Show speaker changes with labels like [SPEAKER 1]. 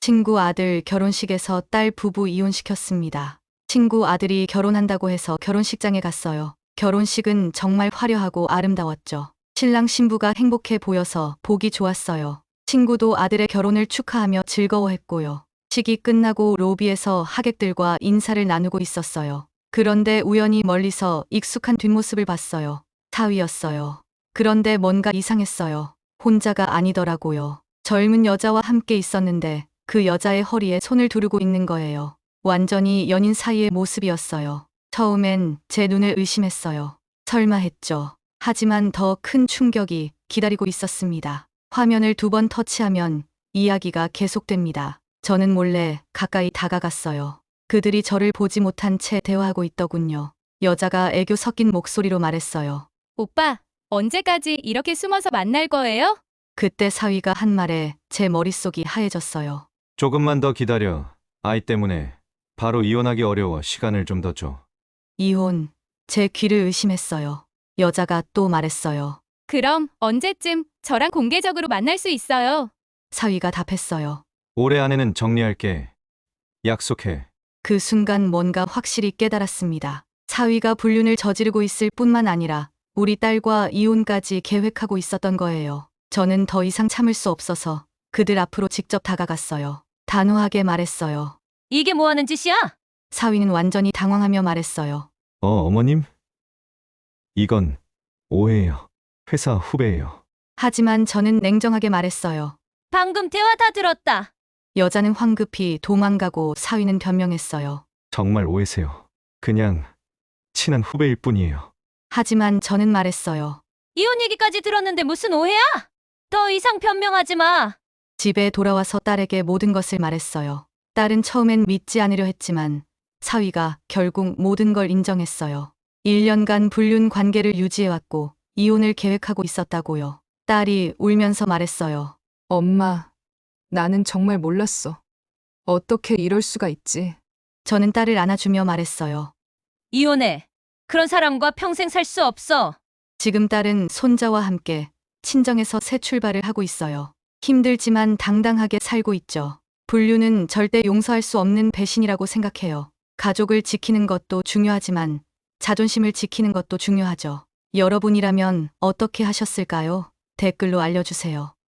[SPEAKER 1] 친구 아들 결혼식에서 딸 부부 이혼시켰습니다. 친구 아들이 결혼한다고 해서 결혼식장에 갔어요. 결혼식은 정말 화려하고 아름다웠죠. 신랑 신부가 행복해 보여서 보기 좋았어요. 친구도 아들의 결혼을 축하하며 즐거워했고요. 식이 끝나고 로비에서 하객들과 인사를 나누고 있었어요. 그런데 우연히 멀리서 익숙한 뒷모습을 봤어요. 사위였어요. 그런데 뭔가 이상했어요. 혼자가 아니더라고요. 젊은 여자와 함께 있었는데 그 여자의 허리에 손을 두르고 있는 거예요. 완전히 연인 사이의 모습이었어요. 처음엔 제 눈을 의심했어요. 설마 했죠. 하지만 더 큰 충격이 기다리고 있었습니다. 화면을 2번 터치하면 이야기가 계속됩니다. 저는 몰래 가까이 다가갔어요. 그들이 저를 보지 못한 채 대화하고 있더군요. 여자가 애교 섞인 목소리로 말했어요.
[SPEAKER 2] 오빠, 언제까지 이렇게 숨어서 만날 거예요?
[SPEAKER 1] 그때 사위가 한 말에 제 머릿속이 하얘졌어요.
[SPEAKER 3] 조금만 더 기다려. 아이 때문에 바로 이혼하기 어려워. 시간을 좀 더 줘.
[SPEAKER 1] 이혼. 제 귀를 의심했어요. 여자가 또 말했어요.
[SPEAKER 2] 그럼 언제쯤 저랑 공개적으로 만날 수 있어요?
[SPEAKER 1] 사위가 답했어요.
[SPEAKER 3] 올해 안에는 정리할게. 약속해.
[SPEAKER 1] 그 순간 뭔가 확실히 깨달았습니다. 사위가 불륜을 저지르고 있을 뿐만 아니라 우리 딸과 이혼까지 계획하고 있었던 거예요. 저는 더 이상 참을 수 없어서 그들 앞으로 직접 다가갔어요. 단호하게 말했어요.
[SPEAKER 2] 이게 뭐 하는 짓이야?
[SPEAKER 1] 사위는 완전히 당황하며 말했어요.
[SPEAKER 3] 어머님? 이건 오해예요. 회사 후배예요.
[SPEAKER 1] 하지만 저는 냉정하게 말했어요.
[SPEAKER 2] 방금 대화 다 들었다.
[SPEAKER 1] 여자는 황급히 도망가고 사위는 변명했어요.
[SPEAKER 3] 정말 오해세요. 그냥 친한 후배일 뿐이에요.
[SPEAKER 1] 하지만 저는 말했어요.
[SPEAKER 2] 이혼 얘기까지 들었는데 무슨 오해야? 더 이상 변명하지 마.
[SPEAKER 1] 집에 돌아와서 딸에게 모든 것을 말했어요. 딸은 처음엔 믿지 않으려 했지만 사위가 결국 모든 걸 인정했어요. 1년간 불륜 관계를 유지해왔고 이혼을 계획하고 있었다고요. 딸이 울면서 말했어요.
[SPEAKER 4] 엄마, 나는 정말 몰랐어. 어떻게 이럴 수가 있지?
[SPEAKER 1] 저는 딸을 안아주며 말했어요.
[SPEAKER 2] 이혼해. 그런 사람과 평생 살 수 없어.
[SPEAKER 1] 지금 딸은 손자와 함께 친정에서 새 출발을 하고 있어요. 힘들지만 당당하게 살고 있죠. 불륜은 절대 용서할 수 없는 배신이라고 생각해요. 가족을 지키는 것도 중요하지만 자존심을 지키는 것도 중요하죠. 여러분이라면 어떻게 하셨을까요? 댓글로 알려주세요.